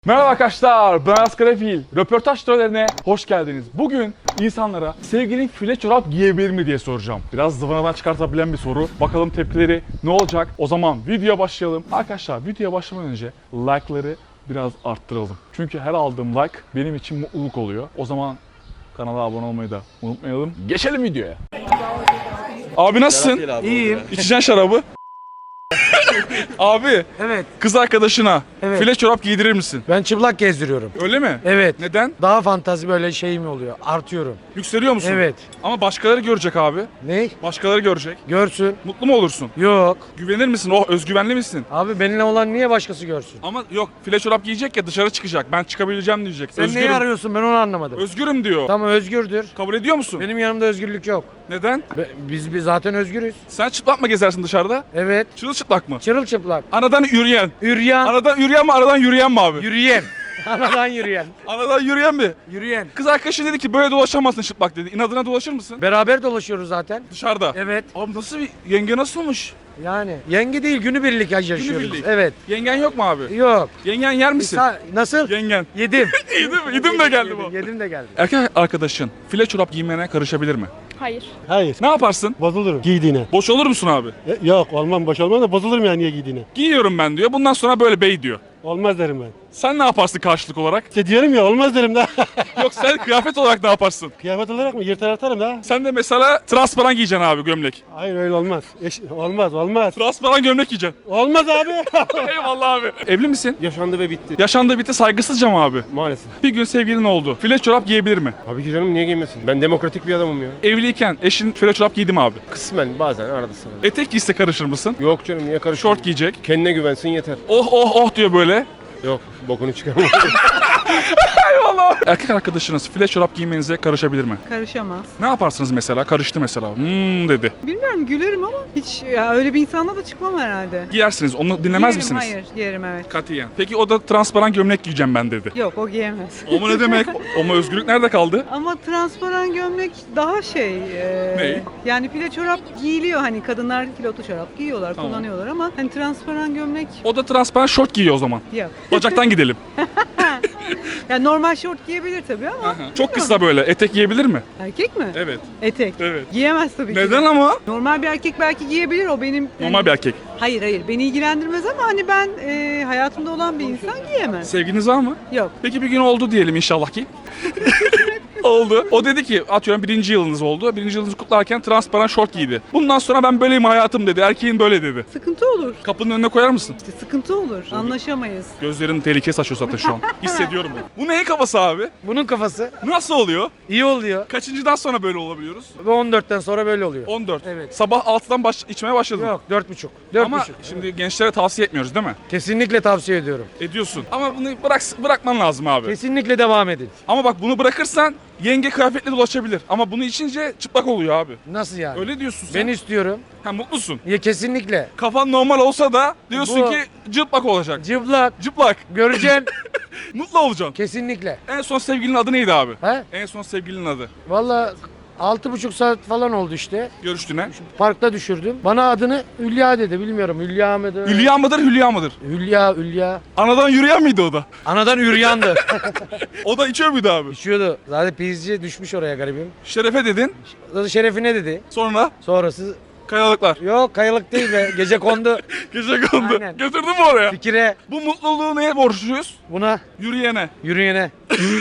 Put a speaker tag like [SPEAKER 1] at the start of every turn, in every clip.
[SPEAKER 1] Merhaba arkadaşlar, ben Askarefil. Röportaj törenine hoş geldiniz. Bugün insanlara sevgilin file çorap giyebilir mi diye soracağım. Biraz zıvanadan çıkartabilen bir soru. Bakalım tepkileri ne olacak? O zaman videoya başlayalım. Arkadaşlar videoya başlamadan önce like'ları biraz arttıralım. Çünkü her aldığım like benim için mutluluk oluyor. O zaman kanala abone olmayı da unutmayalım. Geçelim videoya. Abi nasılsın?
[SPEAKER 2] İyiyim.
[SPEAKER 1] İçeceksin şarabı. Abi,
[SPEAKER 2] Evet.
[SPEAKER 1] kız arkadaşına file çorap giydirir misin?
[SPEAKER 2] Ben çıplak gezdiriyorum.
[SPEAKER 1] Öyle mi?
[SPEAKER 2] Evet.
[SPEAKER 1] Neden?
[SPEAKER 2] Daha fantazi böyle şey mi oluyor? Artıyorum.
[SPEAKER 1] Yükseliyor musun?
[SPEAKER 2] Evet.
[SPEAKER 1] Ama başkaları görecek abi.
[SPEAKER 2] Ne?
[SPEAKER 1] Başkaları görecek.
[SPEAKER 2] Görsün.
[SPEAKER 1] Mutlu mu olursun?
[SPEAKER 2] Yok.
[SPEAKER 1] Güvenir misin? Oh, özgüvenli misin?
[SPEAKER 2] Abi benimle olan niye başkası görsün?
[SPEAKER 1] Ama yok, file çorap giyecek ya, dışarı çıkacak. Ben çıkabileceğim diyecek.
[SPEAKER 2] Sen
[SPEAKER 1] Özgürüm.
[SPEAKER 2] neyi arıyorsun? Ben onu anlamadım.
[SPEAKER 1] Özgürüm diyor.
[SPEAKER 2] Tamam, özgürdür.
[SPEAKER 1] Kabul ediyor musun?
[SPEAKER 2] Benim yanımda özgürlük yok.
[SPEAKER 1] Neden?
[SPEAKER 2] Biz zaten özgürüz.
[SPEAKER 1] Sen çıplak mı gezersin dışarıda?
[SPEAKER 2] Evet.
[SPEAKER 1] Çırılçıplak mı?
[SPEAKER 2] Çırılçıplak.
[SPEAKER 1] Anadan yürüyen.
[SPEAKER 2] Yürüyen.
[SPEAKER 1] Anadan yürüyen mi, aradan yürüyen mi abi?
[SPEAKER 2] Yürüyen. Anadan yürüyen.
[SPEAKER 1] Anadan yürüyen mi?
[SPEAKER 2] Yürüyen.
[SPEAKER 1] Kız arkadaşın dedi ki böyle dolaşamazsın çıplak dedi. İnadına dolaşır mısın?
[SPEAKER 2] Beraber dolaşıyoruz zaten.
[SPEAKER 1] Dışarıda.
[SPEAKER 2] Evet.
[SPEAKER 1] Abi nasıl bir yenge nasılmış?
[SPEAKER 2] Yani yenge değil, günübirlik yaşıyoruz.
[SPEAKER 1] Günübirlik.
[SPEAKER 2] Evet.
[SPEAKER 1] Yengen yok mu abi?
[SPEAKER 2] Yok.
[SPEAKER 1] Yengen yer misin?
[SPEAKER 2] Nasıl?
[SPEAKER 1] Yengen.
[SPEAKER 2] Yedim.
[SPEAKER 1] Yedim de geldi bu.
[SPEAKER 2] Yedim de geldi.
[SPEAKER 1] Erkek arkadaşın file çorap giymene karışabilir mi?
[SPEAKER 3] Hayır.
[SPEAKER 4] Hayır.
[SPEAKER 1] Ne yaparsın?
[SPEAKER 4] Bozulurum giydiğine.
[SPEAKER 1] Boş olur musun abi?
[SPEAKER 4] Yok olmam boş olmam da bozulurum yani niye giydiğine.
[SPEAKER 1] Giyiyorum ben diyor. Bundan sonra böyle bey diyor.
[SPEAKER 4] Olmaz derim ben.
[SPEAKER 1] Sen ne yaparsın karşılık olarak?
[SPEAKER 4] İşte diyorum ya olmaz derim da.
[SPEAKER 1] Yok, sen kıyafet olarak ne yaparsın?
[SPEAKER 4] Kıyafet olarak mı yırtar atarım da.
[SPEAKER 1] Sen de mesela transparan giyeceksin abi, gömlek.
[SPEAKER 4] Hayır öyle olmaz. Olmaz.
[SPEAKER 1] Transparan gömlek giyeceksin.
[SPEAKER 4] Olmaz abi.
[SPEAKER 1] Eyvallah abi. Evli misin?
[SPEAKER 4] Yaşandı ve bitti.
[SPEAKER 1] Yaşandı bitti, saygısızca mı abi?
[SPEAKER 4] Maalesef.
[SPEAKER 1] Bir gün sevgilin oldu. File çorap giyebilir mi?
[SPEAKER 4] Abi ki canım niye giymesin? Ben demokratik bir adamım ya.
[SPEAKER 1] Evliyken eşin file çorap giydi mi abi?
[SPEAKER 4] Kısmen bazen arada sırada.
[SPEAKER 1] Etek giyse karışır mısın?
[SPEAKER 4] Yok canım niye karışıyorsun?
[SPEAKER 1] Şort giyecek.
[SPEAKER 4] Kendine güvensin yeter.
[SPEAKER 1] Oh oh oh diyor böyle.
[SPEAKER 4] Yok bokunu çıkarma.
[SPEAKER 1] Eyvallah. Erkek arkadaşınız file çorap giymenize karışabilir mi?
[SPEAKER 3] Karışamaz.
[SPEAKER 1] Ne yaparsınız mesela? Karıştı mesela. Dedi.
[SPEAKER 3] Bilmiyorum, gülerim ama hiç ya öyle bir insanla da çıkmam herhalde.
[SPEAKER 1] Giyersiniz. Onu dinlemez
[SPEAKER 3] Giyerim,
[SPEAKER 1] misiniz?
[SPEAKER 3] Hayır, giyerim evet.
[SPEAKER 1] Katiyen. Peki o da transparan gömlek giyeceğim ben dedi.
[SPEAKER 3] Yok, o giyemez.
[SPEAKER 1] O mu ne demek? O mu, özgürlük nerede kaldı?
[SPEAKER 3] Ama transparan gömlek daha şey...
[SPEAKER 1] Ne?
[SPEAKER 3] Yani file çorap giyiliyor, hani kadınlar kilotlu çorap giyiyorlar,
[SPEAKER 1] Tamam.
[SPEAKER 3] kullanıyorlar ama hani transparan gömlek
[SPEAKER 1] O da transparan şort giyiyor o zaman.
[SPEAKER 3] yok.
[SPEAKER 1] Bacaktan gidelim.
[SPEAKER 3] Yani normal şort giyebilir tabii ama
[SPEAKER 1] Çok kısa böyle. Etek giyebilir mi?
[SPEAKER 3] erkek mi?
[SPEAKER 1] Evet.
[SPEAKER 3] Etek.
[SPEAKER 1] Evet.
[SPEAKER 3] Giyemez tabii ki.
[SPEAKER 1] Neden ama?
[SPEAKER 3] Normal bir erkek belki giyebilir, o benim...
[SPEAKER 1] Normal bir erkek.
[SPEAKER 3] Hayır, beni ilgilendirmez ama hani ben hayatımda olan bir insan giyemez.
[SPEAKER 1] Sevginiz var mı?
[SPEAKER 3] Yok.
[SPEAKER 1] Peki bir gün oldu diyelim inşallah ki. Oldu. O dedi ki, atıyorum 1. yılınız oldu. 1. yılınızı kutlarken transparan şort giydi. Bundan sonra ben böyleyim hayatım dedi. Erkeğin böyle dedi.
[SPEAKER 3] Sıkıntı olur.
[SPEAKER 1] Kapının önüne koyar mısın?
[SPEAKER 3] İşte sıkıntı olur. Anlaşamayız.
[SPEAKER 1] Gözlerin tehlike saçıyor zaten şu an. Hissediyorum bunu. Bu neyin kafası abi?
[SPEAKER 2] Bunun kafası
[SPEAKER 1] Nasıl oluyor?
[SPEAKER 2] iyi oluyor.
[SPEAKER 1] Kaçıncıdan sonra böyle olabiliyoruz?
[SPEAKER 2] Ve 14'ten sonra böyle oluyor.
[SPEAKER 1] 14.
[SPEAKER 2] Evet.
[SPEAKER 1] Sabah 6'dan içmeye başladın.
[SPEAKER 2] Yok 4,5. 4,5.
[SPEAKER 1] Ama şimdi gençlere tavsiye etmiyoruz değil mi?
[SPEAKER 2] Kesinlikle tavsiye ediyorum.
[SPEAKER 1] Ediyorsun. Ama bunu bırakman lazım abi.
[SPEAKER 2] Kesinlikle devam edin.
[SPEAKER 1] Ama bak, bunu bırakırsan yenge kıyafetle dolaşabilir. Ama bunu içince çıplak oluyor abi.
[SPEAKER 2] Nasıl yani?
[SPEAKER 1] Öyle diyorsun sen.
[SPEAKER 2] Ben istiyorum.
[SPEAKER 1] Ha, mutlusun.
[SPEAKER 2] Ya kesinlikle.
[SPEAKER 1] Kafan normal olsa da diyorsun
[SPEAKER 2] Bu-
[SPEAKER 1] ki cıplak olacak.
[SPEAKER 2] Cıplak.
[SPEAKER 1] Cıplak.
[SPEAKER 2] Göreceksin.
[SPEAKER 1] Mutlu olacaksın.
[SPEAKER 2] Kesinlikle.
[SPEAKER 1] En son sevgilinin adı neydi abi?
[SPEAKER 2] He?
[SPEAKER 1] En son sevgilinin adı.
[SPEAKER 2] Valla 6,5 saat falan oldu işte.
[SPEAKER 1] Görüştüğüne.
[SPEAKER 2] Parkta düşürdüm. Bana adını Hülya dedi. Bilmiyorum Hülya mıdır?
[SPEAKER 1] Hülya mıdır, Hülya mıdır?
[SPEAKER 2] Hülya.
[SPEAKER 1] Anadan yürüyen miydi o da?
[SPEAKER 2] Anadan Hüryan'dı.
[SPEAKER 1] O da içiyor muydu abi?
[SPEAKER 2] İçiyordu. Zaten pizci düşmüş oraya garibim.
[SPEAKER 1] Şerefe dedin.
[SPEAKER 2] Şerefine dedi.
[SPEAKER 1] Sonra
[SPEAKER 2] Sonrası
[SPEAKER 1] kayalıklar.
[SPEAKER 2] yok kayalık değil be. Gece kondu
[SPEAKER 1] Gece kondu.
[SPEAKER 2] Aynen.
[SPEAKER 1] Götürdün mü oraya?
[SPEAKER 2] fikire
[SPEAKER 1] Bu mutluluğu neye borçluyuz?
[SPEAKER 2] buna
[SPEAKER 1] Yürüyene.
[SPEAKER 2] yürüyene.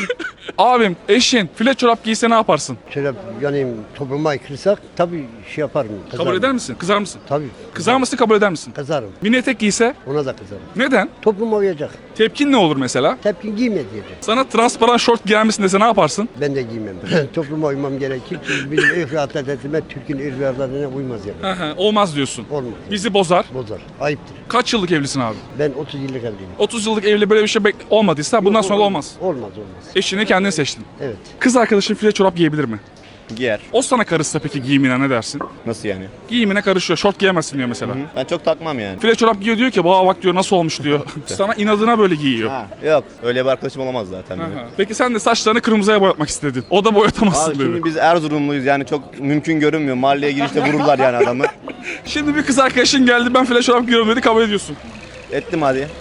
[SPEAKER 1] Abim, eşin file çorap giyse ne yaparsın?
[SPEAKER 5] Şöyle yani topluma aykırısak tabii şey yaparım.
[SPEAKER 1] Kabul eder misin? Kızar mısın?
[SPEAKER 5] Tabii.
[SPEAKER 1] Kızar mısın, kabul eder misin?
[SPEAKER 5] Kızarım.
[SPEAKER 1] Mini etek giyse
[SPEAKER 5] Ona da kızarım.
[SPEAKER 1] neden?
[SPEAKER 5] Topluma uyacak.
[SPEAKER 1] Tepkin ne olur mesela?
[SPEAKER 5] Tepkin giyme diyecek.
[SPEAKER 1] Sana transparan şort giyer misin dese ne yaparsın?
[SPEAKER 5] Ben de giymem. Topluma uymam gerekir. Çünkü bizim ırk ve adetime, Türk'ün ırk ve adetine uymaz yani.
[SPEAKER 1] Olmaz diyorsun.
[SPEAKER 5] Olmaz.
[SPEAKER 1] Bizi bozar.
[SPEAKER 5] Bozar. Ayıptır.
[SPEAKER 1] Kaç yıllık evlisin abi?
[SPEAKER 5] Ben 30 yıllık evliyim.
[SPEAKER 1] 30 yıllık evli böyle bir şey olmadıysa bundan sonra da olmaz.
[SPEAKER 5] Olmaz.
[SPEAKER 1] Eşini kendin seçtin.
[SPEAKER 5] Evet.
[SPEAKER 1] Kız arkadaşın file çorap giyebilir mi?
[SPEAKER 6] Giyer.
[SPEAKER 1] O sana karışsa peki giyimine ne dersin?
[SPEAKER 6] Nasıl yani?
[SPEAKER 1] Giyimine karışıyor. Şort giyemezsin diyor mesela.
[SPEAKER 6] Ben çok takmam yani.
[SPEAKER 1] File çorap giyiyor diyor ki bak diyor nasıl olmuş diyor. Sana inadına böyle giyiyor.
[SPEAKER 6] Ha, yok. Öyle bir arkadaşım olamaz zaten benim.
[SPEAKER 1] Aha. Peki sen de saçlarını kırmızıya boyatmak istedin. O da boyatamazsın
[SPEAKER 6] Abi
[SPEAKER 1] dedi.
[SPEAKER 6] şimdi biz Erzurumluyuz yani çok mümkün görünmüyor. Mahalleye girişte vururlar yani adamı.
[SPEAKER 1] Şimdi bir kız arkadaşın geldi, ben file çorap giyiyorum dedi, kabul ediyorsun.
[SPEAKER 6] Ettim hadi.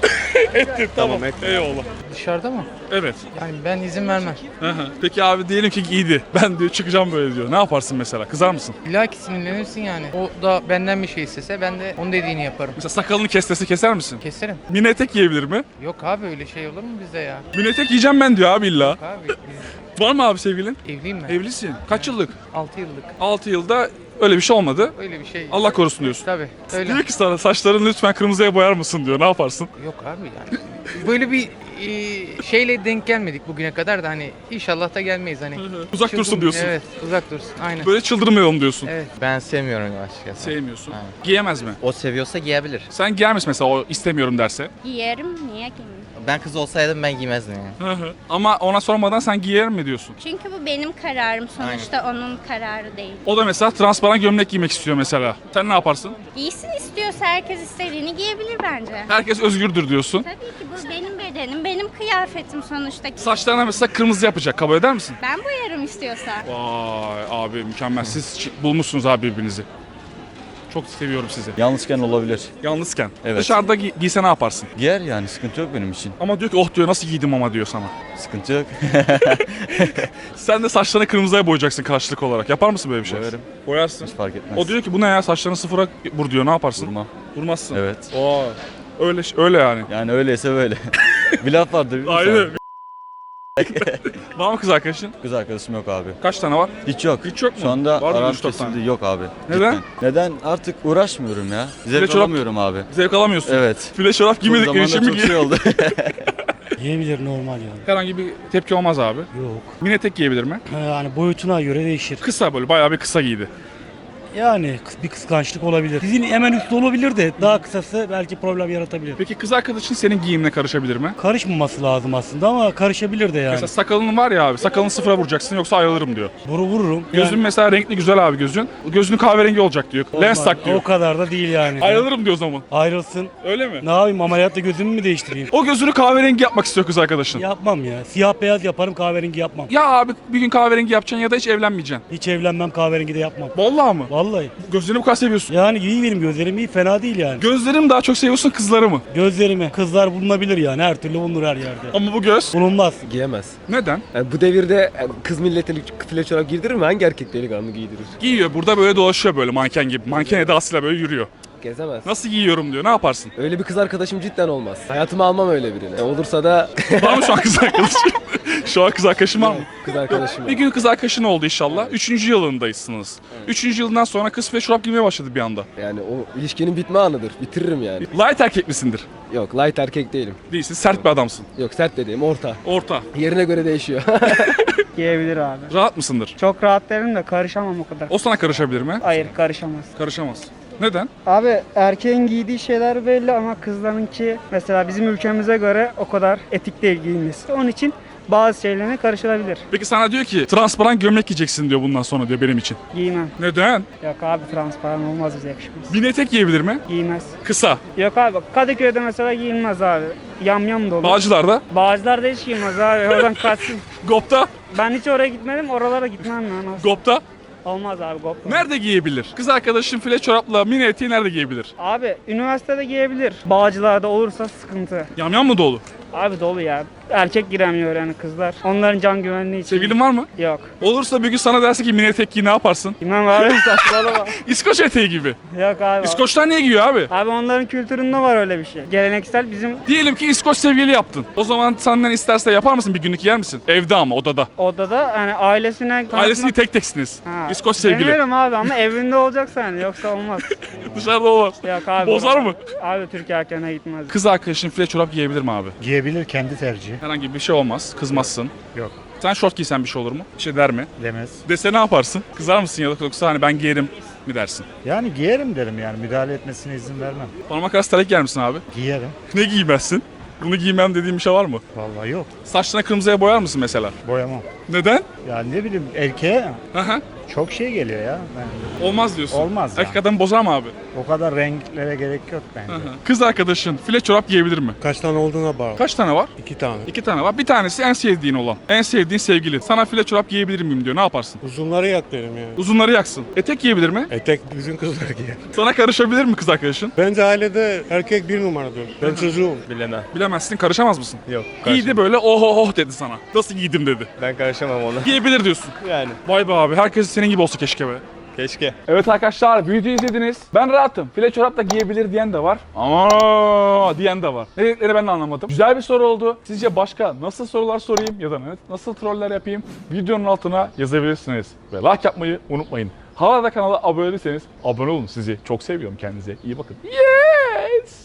[SPEAKER 1] Ettin tamam.
[SPEAKER 4] Tamam, ettim.
[SPEAKER 1] Eyvallah.
[SPEAKER 2] Dışarıda mı?
[SPEAKER 1] Evet.
[SPEAKER 2] Yani ben izin vermem.
[SPEAKER 1] Hı hı. Peki abi diyelim ki giydi. Ben diyor çıkacağım böyle diyor. Ne yaparsın mesela? Kızar mısın?
[SPEAKER 2] İlla ki sinirlenirsin yani. O da benden bir şey istese ben de onun dediğini yaparım.
[SPEAKER 1] Mesela sakalını kestesi keser misin?
[SPEAKER 2] Keserim.
[SPEAKER 1] Mini etek giyebilir mi?
[SPEAKER 2] Yok abi öyle şey olur mu bizde ya?
[SPEAKER 1] Mini etek giyeceğim ben diyor abi illa.
[SPEAKER 2] Abi biz
[SPEAKER 1] Var mı abi sevgilin?
[SPEAKER 2] evliyim ben.
[SPEAKER 1] Evlisin. Kaç yıllık?
[SPEAKER 2] 6 yıllık.
[SPEAKER 1] 6 yılda öyle bir şey olmadı.
[SPEAKER 2] Öyle bir şey.
[SPEAKER 1] Allah korusun diyorsun.
[SPEAKER 2] Tabii. Öyle.
[SPEAKER 1] Diyor ki sana saçlarını lütfen kırmızıya boyar mısın diyor. Ne yaparsın?
[SPEAKER 2] Yok abi yani. Böyle bir şeyle denk gelmedik bugüne kadar da hani inşallah da gelmeyiz hani.
[SPEAKER 1] Uzak dursun diyorsun.
[SPEAKER 2] Evet uzak dursun aynen.
[SPEAKER 1] Böyle çıldırmayalım diyorsun.
[SPEAKER 2] Evet.
[SPEAKER 7] Ben sevmiyorum açıkçası.
[SPEAKER 1] Sevmiyorsun.
[SPEAKER 7] Aynen.
[SPEAKER 1] Giyemez mi?
[SPEAKER 7] O seviyorsa giyebilir.
[SPEAKER 1] Sen giyer misin mesela o istemiyorum derse?
[SPEAKER 8] Giyerim, niye giymeyeyim?
[SPEAKER 7] Ben kız olsaydım ben giymezdim yani.
[SPEAKER 1] Ama ona sormadan sen giyer mi diyorsun?
[SPEAKER 8] Çünkü bu benim kararım. Sonuçta onun kararı değil.
[SPEAKER 1] O da mesela transparan gömlek giymek istiyor mesela. Sen ne yaparsın?
[SPEAKER 8] Giysin istiyorsa herkes istediğini giyebilir bence.
[SPEAKER 1] Herkes özgürdür diyorsun.
[SPEAKER 8] Tabii ki bu benim bedenim, benim kıyafetim sonuçta.
[SPEAKER 1] Saçlarına mesela kırmızı yapacak. Kabul eder misin?
[SPEAKER 8] Ben boyarım istiyorsa.
[SPEAKER 1] Vay abi mükemmel. Siz bulmuşsunuz abi birbirinizi. Çok seviyorum sizi.
[SPEAKER 9] Yalnızken olabilir.
[SPEAKER 1] Yalnızken.
[SPEAKER 9] Evet.
[SPEAKER 1] Dışarıda giyse ne yaparsın?
[SPEAKER 9] Giyer yani sıkıntı yok benim için.
[SPEAKER 1] Ama diyor ki oh diyor nasıl giydim ama diyor sana.
[SPEAKER 9] Sıkıntı yok.
[SPEAKER 1] Sen de saçlarını kırmızıya boyayacaksın karşılık olarak. Yapar mısın böyle bir şey?
[SPEAKER 9] Boyarım.
[SPEAKER 1] Boyarsın.
[SPEAKER 9] Hiç fark etmez.
[SPEAKER 1] O diyor ki bu ne ya saçlarını sıfıra vur diyor. Ne yaparsın?
[SPEAKER 9] Vurmam.
[SPEAKER 1] Vurmazsın.
[SPEAKER 9] Evet.
[SPEAKER 1] Oo. Öyle yani.
[SPEAKER 9] Yani öyleyse böyle. Bir laf vardır. bilir misin?
[SPEAKER 1] Aynen. Var mı kız arkadaşın?
[SPEAKER 9] Kız arkadaşım yok abi.
[SPEAKER 1] Kaç tane var?
[SPEAKER 9] Hiç yok.
[SPEAKER 1] Hiç yok mu?
[SPEAKER 9] Şu anda
[SPEAKER 1] Var mı
[SPEAKER 9] aram
[SPEAKER 1] üç dört tane?
[SPEAKER 9] kesildi. Yok abi.
[SPEAKER 1] Neden?
[SPEAKER 9] Cidden. Neden? Artık uğraşmıyorum ya. Zevk
[SPEAKER 1] çorap-
[SPEAKER 9] alamıyorum abi.
[SPEAKER 1] Zevk alamıyorsun.
[SPEAKER 9] Evet.
[SPEAKER 1] File çorap
[SPEAKER 9] Bu
[SPEAKER 1] giymedikleri
[SPEAKER 9] zamanda
[SPEAKER 1] için mi
[SPEAKER 9] çok şey oldu.
[SPEAKER 10] Giyebilir normal yani.
[SPEAKER 1] Herhangi bir tepki olmaz abi.
[SPEAKER 10] Yok.
[SPEAKER 1] Mini etek giyebilir mi?
[SPEAKER 10] Yani boyutuna göre değişir.
[SPEAKER 1] Kısa böyle bayağı bir kısa giydi.
[SPEAKER 10] Yani bir kıskançlık olabilir. Dizin hemen üstü olabilir de daha kısası belki problem yaratabilir.
[SPEAKER 1] Peki kız arkadaşın senin giyimine karışabilir mi?
[SPEAKER 10] Karışmaması lazım aslında ama karışabilir de yani.
[SPEAKER 1] Mesela sakalın var ya abi sakalını sıfıra vuracaksın yoksa ayrılırım diyor.
[SPEAKER 10] Vururum.
[SPEAKER 1] Gözün
[SPEAKER 10] Yani
[SPEAKER 1] mesela renkli güzel abi gözün. Gözünün kahverengi olacak diyor. Lens
[SPEAKER 10] olmaz.
[SPEAKER 1] tak diyor.
[SPEAKER 10] O kadar da değil yani.
[SPEAKER 1] Ayrılırım diyor o zaman.
[SPEAKER 10] Ayrılsın.
[SPEAKER 1] Öyle mi?
[SPEAKER 10] Ne yapayım ameliyatla gözümü mü değiştireyim?
[SPEAKER 1] O gözünü kahverengi yapmak istiyor kız arkadaşın.
[SPEAKER 10] Yapmam ya. Siyah beyaz yaparım kahverengi yapmam.
[SPEAKER 1] Ya abi bir gün kahverengi yapacaksın ya da hiç evlenmeyeceksin.
[SPEAKER 10] Hiç evlenmem kahverengi de yapmam.
[SPEAKER 1] Vallahi mı?
[SPEAKER 10] Vallahi.
[SPEAKER 1] Gözlerini bu kadar seviyorsun.
[SPEAKER 10] Yani iyi benim gözlerim iyi fena değil yani.
[SPEAKER 1] Gözlerim daha çok seviyorsun kızları mı?
[SPEAKER 10] Gözlerimi kızlar bulunabilir yani her türlü bulunur her yerde.
[SPEAKER 1] Ama bu göz
[SPEAKER 10] Bulunmaz.
[SPEAKER 4] Giyemez.
[SPEAKER 1] neden?
[SPEAKER 4] Yani bu devirde kız milletini file çorap giydirir mi? Hangi erkek delikanlı giydirir?
[SPEAKER 1] Giyiyor burada böyle dolaşıyor böyle manken gibi. Manken edasıyla böyle yürüyor.
[SPEAKER 4] Gezemez.
[SPEAKER 1] Nasıl giyiyorum diyor. Ne yaparsın?
[SPEAKER 4] Öyle bir kız arkadaşım cidden olmaz. Hayatıma almam öyle birini. Olursa da
[SPEAKER 1] Var mı şu an kız arkadaşın? Şu an kız arkadaşın var mı?
[SPEAKER 4] kız arkadaşım.
[SPEAKER 1] Bir gün kız arkadaşın oldu inşallah. 3. yılındaysınız. 3. yılından sonra kız ve çorap giymeye başladı bir anda.
[SPEAKER 4] Yani o ilişkinin bitme anıdır. Bitiririm yani.
[SPEAKER 1] Light erkek misindir?
[SPEAKER 4] Yok light erkek değilim.
[SPEAKER 1] Değilsin. Sert bir adamsın.
[SPEAKER 4] Yok sert dediğim orta.
[SPEAKER 1] Orta.
[SPEAKER 4] Yerine göre değişiyor.
[SPEAKER 11] Giyebilir abi.
[SPEAKER 1] Rahat mısındır?
[SPEAKER 11] Çok rahat derim de karışamam o kadar.
[SPEAKER 1] O sana karışabilir mi?
[SPEAKER 11] Hayır karışamaz.
[SPEAKER 1] Karışamaz. Neden?
[SPEAKER 11] Abi erkeğin giydiği şeyler belli ama kızlarınki mesela bizim ülkemize göre o kadar etik değil giyinmesi. Onun için bazı şeylerine karışılabilir.
[SPEAKER 1] Peki sana diyor ki transparan gömlek giyeceksin diyor bundan sonra diyor benim için.
[SPEAKER 11] Giymem.
[SPEAKER 1] Neden?
[SPEAKER 11] Yok abi transparan olmaz bize yakışmaz.
[SPEAKER 1] Mini etek giyebilir mi?
[SPEAKER 11] Giymez.
[SPEAKER 1] Kısa.
[SPEAKER 11] Yok abi Kadıköy'de mesela giyilmez abi. Yamyam dolu.
[SPEAKER 1] Bağcılar'da.
[SPEAKER 11] Bağcılar'da hiç giymez abi. Oradan kaçsın.
[SPEAKER 1] Gop'ta.
[SPEAKER 11] Ben hiç oraya gitmedim. Oralara gitmem ben.
[SPEAKER 1] Gop'ta.
[SPEAKER 11] Olmaz abi GoPro.
[SPEAKER 1] Nerede giyebilir? Kız arkadaşın file çorapla mini eteği nerede giyebilir?
[SPEAKER 11] Abi üniversitede giyebilir. Bağcılarda olursa sıkıntı.
[SPEAKER 1] Yamyam mı dolu?
[SPEAKER 11] Abi dolu ya. Erkek giremiyor yani kızlar. Onların can güvenliği için.
[SPEAKER 1] Sevgilin var mı?
[SPEAKER 11] Yok.
[SPEAKER 1] Olursa bir gün sana derse ki mini etek giy ne yaparsın?
[SPEAKER 11] Bilmem abi saçmalama.
[SPEAKER 1] İskoç eteği gibi.
[SPEAKER 11] Yok abi.
[SPEAKER 1] İskoçlar niye giyiyor abi?
[SPEAKER 11] Abi onların kültüründe var öyle bir şey. Geleneksel bizim
[SPEAKER 1] Diyelim ki İskoç sevgili yaptın. O zaman senden isterse yapar mısın bir günlük yer misin? Evde ama odada.
[SPEAKER 11] odada yani ailesine
[SPEAKER 1] Ailesini tek teksiniz.
[SPEAKER 11] Ha,
[SPEAKER 1] İskoç sevgili.
[SPEAKER 11] Demiyorum abi ama evinde olacaksa yani yoksa olmaz.
[SPEAKER 1] Dışarıda olmaz.
[SPEAKER 11] Yok abi.
[SPEAKER 1] Bozar mı?
[SPEAKER 11] Abi Türk erkeğine gitmez.
[SPEAKER 1] Kız arkadaşın file çorap giyebilir mi abi?
[SPEAKER 10] Giyebilir kendi tercihi.
[SPEAKER 1] Herhangi bir şey olmaz. Kızmazsın.
[SPEAKER 10] Yok.
[SPEAKER 1] Sen şort giysen bir şey olur mu? Bir şey der mi?
[SPEAKER 10] Demez.
[SPEAKER 1] Dese ne yaparsın? Kızar mısın ya da yoksa hani ben giyerim mi dersin?
[SPEAKER 10] Yani giyerim derim yani müdahale etmesine izin vermem.
[SPEAKER 1] Parmak arası terlik giyer misin abi?
[SPEAKER 10] Giyerim.
[SPEAKER 1] Ne giymezsin? Bunu giymem dediğim bir şey var mı?
[SPEAKER 10] Vallahi yok.
[SPEAKER 1] Saçlarına kırmızıya boyar mısın mesela?
[SPEAKER 10] Boyamam.
[SPEAKER 1] Neden?
[SPEAKER 10] Yani ne bileyim erkeğe
[SPEAKER 1] Hı hı.
[SPEAKER 10] Çok şey geliyor ya.
[SPEAKER 1] Olmaz diyorsun.
[SPEAKER 10] Olmaz ya.
[SPEAKER 1] Erkek adam bozar mı abi?
[SPEAKER 10] O kadar renklere gerek yok bence.
[SPEAKER 1] Kız arkadaşın file çorap giyebilir mi?
[SPEAKER 10] Kaç tane olduğuna bağlı.
[SPEAKER 1] Kaç tane var?
[SPEAKER 10] 2 tane.
[SPEAKER 1] 2 tane var. Bir tanesi en sevdiğin olan. En sevdiğin sevgili. Sana file çorap giyebilir miyim diyor. Ne yaparsın?
[SPEAKER 10] Uzunları yak derim yani.
[SPEAKER 1] Uzunları yaksın. Etek giyebilir mi?
[SPEAKER 10] Etek bütün kızlar giyer.
[SPEAKER 1] Sana karışabilir mi kız arkadaşın?
[SPEAKER 10] Bence ailede erkek bir numaradır. Ben çocuğum.
[SPEAKER 4] Bilemem.
[SPEAKER 1] Bilemezsin, karışamaz mısın?
[SPEAKER 4] Yok.
[SPEAKER 1] Giydi böyle oh oh oh dedi sana. Nasıl giydim dedi.
[SPEAKER 4] Ben karışamam ona.
[SPEAKER 1] Giyebilir diyorsun.
[SPEAKER 4] Yani.
[SPEAKER 1] Vay be abi, herkes senin gibi olsa keşke be.
[SPEAKER 4] Keşke.
[SPEAKER 1] Evet arkadaşlar, videoyu izlediniz. Ben rahatım. File çorap da giyebilir diyen de var. Ama diyen de var. Ne dediklerini ben de anlamadım. Güzel bir soru oldu. Sizce başka nasıl sorular sorayım ya da nasıl troller yapayım? Videonun altına yazabilirsiniz. Ve like yapmayı unutmayın. Hala da kanala abone değilseniz abone olun. Sizi çok seviyorum. Kendinize iyi bakın. Yeah!